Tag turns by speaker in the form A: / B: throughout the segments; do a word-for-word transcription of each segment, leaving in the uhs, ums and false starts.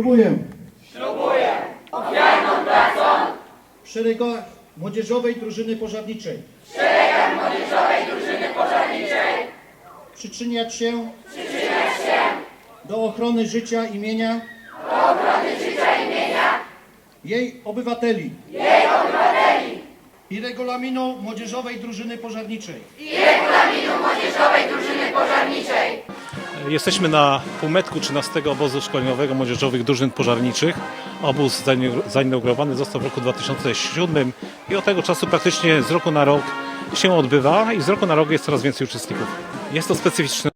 A: Ślubuję
B: Ślubuję ofiarną pracą
A: w szeregach Młodzieżowej Drużyny Pożarniczej
B: w szeregach Młodzieżowej Drużyny Pożarniczej
A: przyczyniać się
B: przyczyniać się
A: do ochrony życia i mienia
B: do ochrony życia i mienia
A: jej obywateli
B: jej obywateli
A: i regulaminu Młodzieżowej Drużyny Pożarniczej.
B: i regulaminu Młodzieżowej Drużyny Pożarniczej.
C: Jesteśmy na półmetku trzynastego obozu szkoleniowego młodzieżowych drużyn pożarniczych. Obóz zainaugurowany został w roku dwa tysiące siódmym i od tego czasu praktycznie z roku na rok się odbywa i z roku na rok jest coraz więcej uczestników. Jest to specyficzne.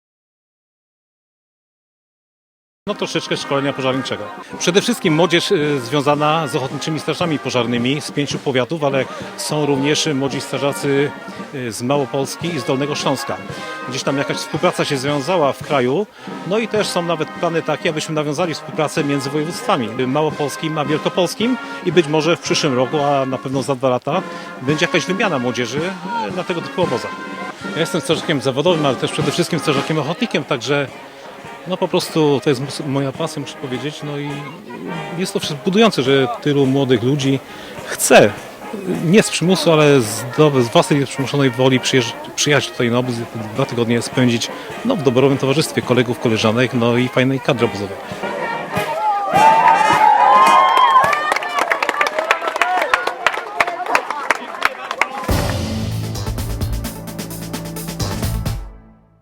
C: No troszeczkę szkolenia pożarniczego. Przede wszystkim młodzież y, związana z ochotniczymi strażami pożarnymi z pięciu powiatów, ale są również młodzi strażacy y, z Małopolski i z Dolnego Śląska. Gdzieś tam jakaś współpraca się związała w kraju, no i też są nawet plany takie, abyśmy nawiązali współpracę między województwami małopolskim a wielkopolskim i być może w przyszłym roku, a na pewno za dwa lata, będzie jakaś wymiana młodzieży y, na tego typu obozach. Ja jestem strażakiem zawodowym, ale też przede wszystkim strażakiem ochotnikiem, także no po prostu to jest moja pasja, muszę powiedzieć, no i jest to budujące, że tylu młodych ludzi chce, nie z przymusu, ale z, do, z własnej przymuszonej woli przyjechać tutaj na obóz, dwa tygodnie spędzić no, w doborowym towarzystwie kolegów, koleżanek, no i fajnej kadry obozowej.